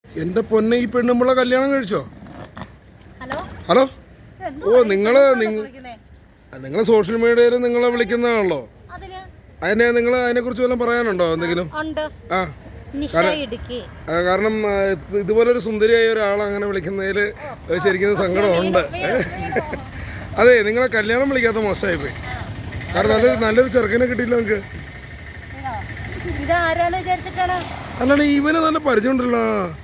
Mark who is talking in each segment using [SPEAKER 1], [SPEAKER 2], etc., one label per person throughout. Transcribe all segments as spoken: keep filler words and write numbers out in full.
[SPEAKER 1] എന്റെ പൊന്നെ, ഈ പെണ്ണുമ്പളെ കല്യാണം കഴിച്ചോ?
[SPEAKER 2] ഹലോ
[SPEAKER 1] ഹലോ ഓ നിങ്ങള് നിങ്ങള് സോഷ്യൽ മീഡിയയിൽ നിങ്ങളെ വിളിക്കുന്നതാണല്ലോ. അതിനെ നിങ്ങൾ അതിനെ കുറിച്ച് വല്ലതും പറയാനുണ്ടോ എന്തെങ്കിലും? ആ കാരണം ഇതുപോലൊരു സുന്ദരിയായ ഒരാൾ അങ്ങനെ വിളിക്കുന്നതിൽ ശരിക്കും സങ്കടമുണ്ട്. അതെ, നിങ്ങളെ കല്യാണം വിളിക്കാത്ത മോശമായി പോയി. കാരണം നല്ലൊരു നല്ലൊരു ചെറുക്കനെ കിട്ടിയില്ല നിങ്ങൾക്ക്. അല്ലാണ്ട് ഇവന് നല്ല പരിചയമുണ്ടല്ലോ.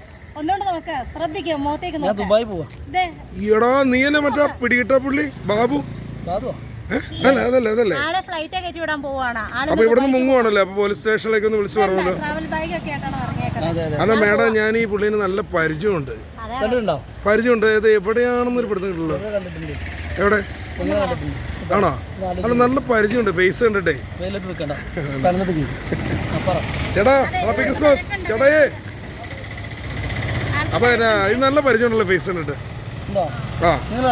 [SPEAKER 1] ഈടാ നീ അല്ലേ മറ്റാ പിടികിട്ട പുള്ളി ബാബു? അല്ല അതല്ലേ അതല്ലേ അപ്പൊ ഇവിടുന്ന് മുങ്ങുവാണല്ലോ. അപ്പൊ പോലീസ് സ്റ്റേഷനിലേക്ക് ഒന്ന് വിളിച്ചു പറഞ്ഞല്ലോ. അല്ല മേഡം, ഞാൻ ഈ പുള്ളിന് നല്ല പരിചയമുണ്ട്. പരിചയമുണ്ട് ഇത് എവിടെയാണെന്നൊരു പിടുത്തം. എവിടെ ആണോ? അല്ല നല്ല പരിചയമുണ്ട്, ഫേസ് കണ്ടിട്ടേ. ചേട്ടാ ഹാപ്പി ക്രിസ്മസ് ചേട്ടായേ. അപ്പൊ ഇത് നല്ല പരിചയമുണ്ടല്ലോ ഫേസ് കണ്ടിട്ട്. ആ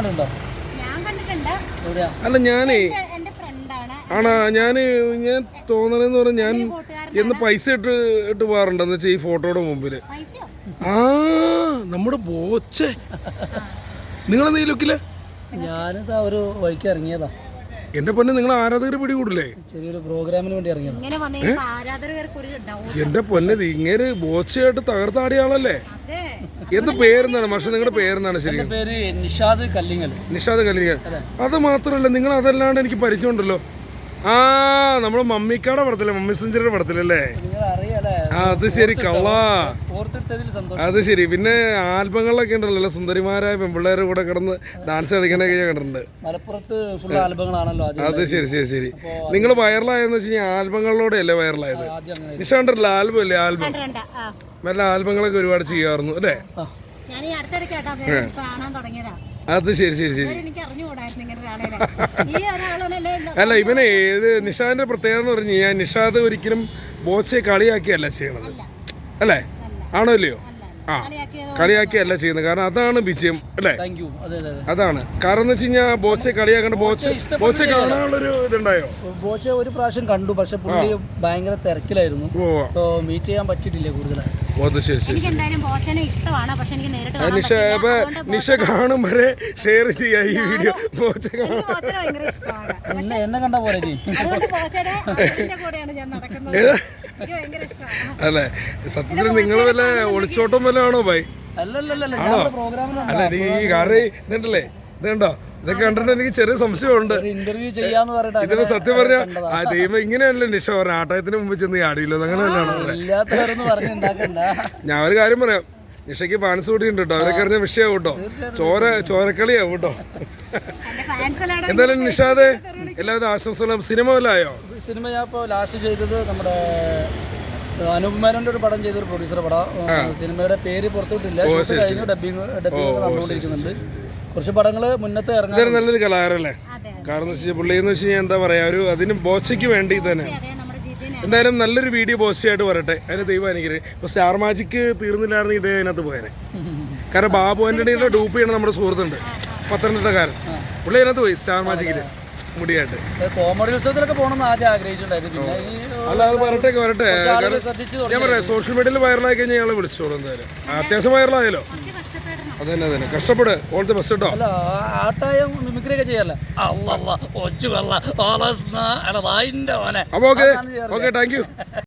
[SPEAKER 1] അല്ല ഞാനേ ആണാ ഞാന് ഞാൻ തോന്നണെന്ന് പറഞ്ഞാൽ ഞാൻ എന്ന് പൈസ ഇട്ട് ഇട്ട് പോകാറുണ്ടെന്ന് വെച്ചാൽ ഈ ഫോട്ടോയുടെ മുമ്പില്. ആ നമ്മുടെ ബോച്ചെ നിങ്ങളെന്താ ഈ ലുക്കില്?
[SPEAKER 3] ഞാനിതാ ഒരു വഴിക്ക് ഇറങ്ങിയതാ.
[SPEAKER 1] എന്റെ പൊന്നെ, നിങ്ങൾ ആരാധകർ പിടികൂടില്ലേ?
[SPEAKER 3] ചെറിയൊരു പ്രോഗ്രാമിന് വേണ്ടി ഇറങ്ങിയതാ.
[SPEAKER 1] എന്റെ പൊന്നെ, ഇങ്ങനെ ബോച്ചയായിട്ട് തകർത്താടിയ ആളല്ലേ? എന്ത് പേരെന്താണ് പക്ഷെ നിങ്ങളുടെ പേരെന്താണ്? ശരി,
[SPEAKER 3] പേര് നിഷാദ് കല്ലിങ്ങൽ.
[SPEAKER 1] നിഷാദ് കല്ലിങ്ങൽ. അത് മാത്രമല്ല, നിങ്ങൾ അതല്ലാണ്ട് എനിക്ക് പരിചയമുണ്ടല്ലോ. ആ നമ്മളെ മമ്മിക്കാടെ പടത്തില്ലേ, മമ്മി സെഞ്ചുറിയുടെ പടത്തിലല്ലേ? അത് ശരി, കള്ളാ. അത് ശരി. പിന്നെ ആൽബങ്ങളിലൊക്കെ ഉണ്ടല്ലോ സുന്ദരിമാരായ പെൺപിള്ളേരുടെ കൂടെ കിടന്ന് ഡാൻസ് കളിക്കണൊക്കെ ഞാൻ കണ്ടിട്ടുണ്ട്.
[SPEAKER 3] മലപ്പുറത്ത് ഫുൾ ആൽബങ്ങളാണല്ലോ.
[SPEAKER 1] അത് ശരി ശരി ശരി. നിങ്ങൾ വൈറലായെന്ന് വെച്ച് കഴിഞ്ഞാൽ ആൽബങ്ങളിലൂടെ അല്ലേ വൈറലായത്? നിഷ കണ്ടല്ലോ ആൽബം അല്ലേ? ആൽബം നല്ല ആൽബങ്ങളൊക്കെ ഒരുപാട് ചെയ്യാറുന്നു അല്ലേ? അത് ശരി ശരി ശരി. അല്ല ഇവനെ ഇത് നിഷാദിന്റെ പ്രത്യേകത എന്ന് പറഞ്ഞു കഴിഞ്ഞാൽ നിഷാദ് ഒരിക്കലും ബോച്ചയെ കളിയാക്കിയല്ല ചെയ്യണത് അല്ലേ? ആണോ ഇല്ലയോ? ആ കളിയാക്കിയല്ല ചെയ്യുന്നത്. കാരണം അതാണ് വിജയം അല്ലേ? അതാണ് കാരണം എന്ന് വെച്ച് കഴിഞ്ഞാൽ ബോച്ചയെ കളിയാക്കേണ്ട. ബോച്ച ബോച്ച കാണാനുള്ളൊരു ഇതുണ്ടായോ?
[SPEAKER 3] ബോച്ച ഒരു പ്രാവശ്യം കണ്ടു, പക്ഷെ പുള്ളി ഭയങ്കര തിരക്കിലായിരുന്നു. മീറ്റ് ചെയ്യാൻ പറ്റിയിട്ടില്ല കൂടുതലായി.
[SPEAKER 1] നിഷ നിഷ കാണും വരെ ഷെയർ ചെയ്യാ ഈ വീഡിയോ. ബോച്ച
[SPEAKER 3] എന്നെ കണ്ട പോലെ
[SPEAKER 1] അല്ലേ? സത്യത്തിൽ നിങ്ങൾ വല്ല ഒളിച്ചോട്ടം വല്ല ആണോ ഭായി? ആണോ? അല്ല നീ കാരണം ഇതുണ്ടല്ലേ, ഇതുണ്ടോ? ഇതൊക്കെ കണ്ടിട്ട് എനിക്ക് ചെറിയ സംശയമുണ്ട്. ഇതിന് സത്യം പറഞ്ഞ ആ ദൈവം ഇങ്ങനെയല്ലേ നിഷ പറഞ്ഞ ആട്ടയത്തിന് മുമ്പ് ചെന്ന് ആടിയില്ലോ അങ്ങനെ തന്നെയാണോ? ഞാൻ ഒരു കാര്യം പറയാം, നിഷയ്ക്ക് പാൻസ് കൂട്ടിയുണ്ട് കേട്ടോ. അവരൊക്കെ അറിഞ്ഞ വിഷയമാവും കേട്ടോ. ചോര ചോരക്കളിയാവും കേട്ടോ. എന്തായാലും നിഷാദേ എല്ലാവരും ആശംസകളും. സിനിമ വല്ലതായോ?
[SPEAKER 3] സിനിമ ഞാൻ ഇപ്പോൾ ലാസ്റ്റ് ചെയ്തത് നമ്മുടെ അനൂപ് മേനോന്റെ ഒരു പടം ചെയ്തൊരു പ്രൊഡ്യൂസർ പടം. സിനിമയുടെ പേര് പുറത്തുവിട്ടില്ല, കഴിഞ്ഞു. ഡബിങ് ഡബിങ് നടന്നുകൊണ്ടിരിക്കുന്നുണ്ട്. കുറച്ച് പടങ്ങള് മുന്നത്തെ ഇറങ്ങാൻ. നല്ലൊരു കലാകാരല്ലേ? കാരണം പുള്ളി എന്ന് വെച്ച് കഴിഞ്ഞാൽ എന്താ പറയാ, ഒരു അതിന് ബോച്ചയ്ക്ക് വേണ്ടി തന്നെ. എന്തായാലും നല്ലൊരു വീഡിയോ ബോച്ചയായിട്ട് വരട്ടെ. അതിന് ദൈവം അനുഗ്രഹിക്കും. ഇപ്പൊ സ്റ്റാർ മാജിക്ക് തീർന്നില്ലായിരുന്നു ഇതേ അതിനകത്ത് പോയേനെ. കാരണം ബാബു ആന്റണിയുടെ ഡൂപ്പ് ചെയ്യണ നമ്മുടെ സുഹൃത്തുണ്ട്, പത്തനംതിട്ടക്കാരൻ. പുള്ളി അതിനകത്ത് പോയി സ്റ്റാർ മാജിക്കില് മുടിയായിട്ട്. കോമഡി ഉത്സവത്തിലൊക്കെ പോകണമെന്ന് ആദ്യം ആഗ്രഹിച്ചിട്ടുണ്ടായിരുന്നു.
[SPEAKER 1] അല്ല അത് വരട്ടെ വരട്ടെ. ഞാൻ പറയാം, സോഷ്യൽ മീഡിയയിൽ വൈറലായി കഴിഞ്ഞാൽ ഞങ്ങളെ വിളിച്ചോളൂ. എന്തായാലും അത്യാവശ്യം വൈറലായല്ലോ. അതന്നെ അതന്നെ കഷ്ടപ്പെട്. ഓൾ ദി ബെസ്റ്റ് കേട്ടോ.
[SPEAKER 3] ആട്ടായം മിമിക്രി ഒക്കെ ചെയ്യാറില്ല.
[SPEAKER 1] അപ്പൊ ഓക്കെ ഓക്കെ താങ്ക് യു.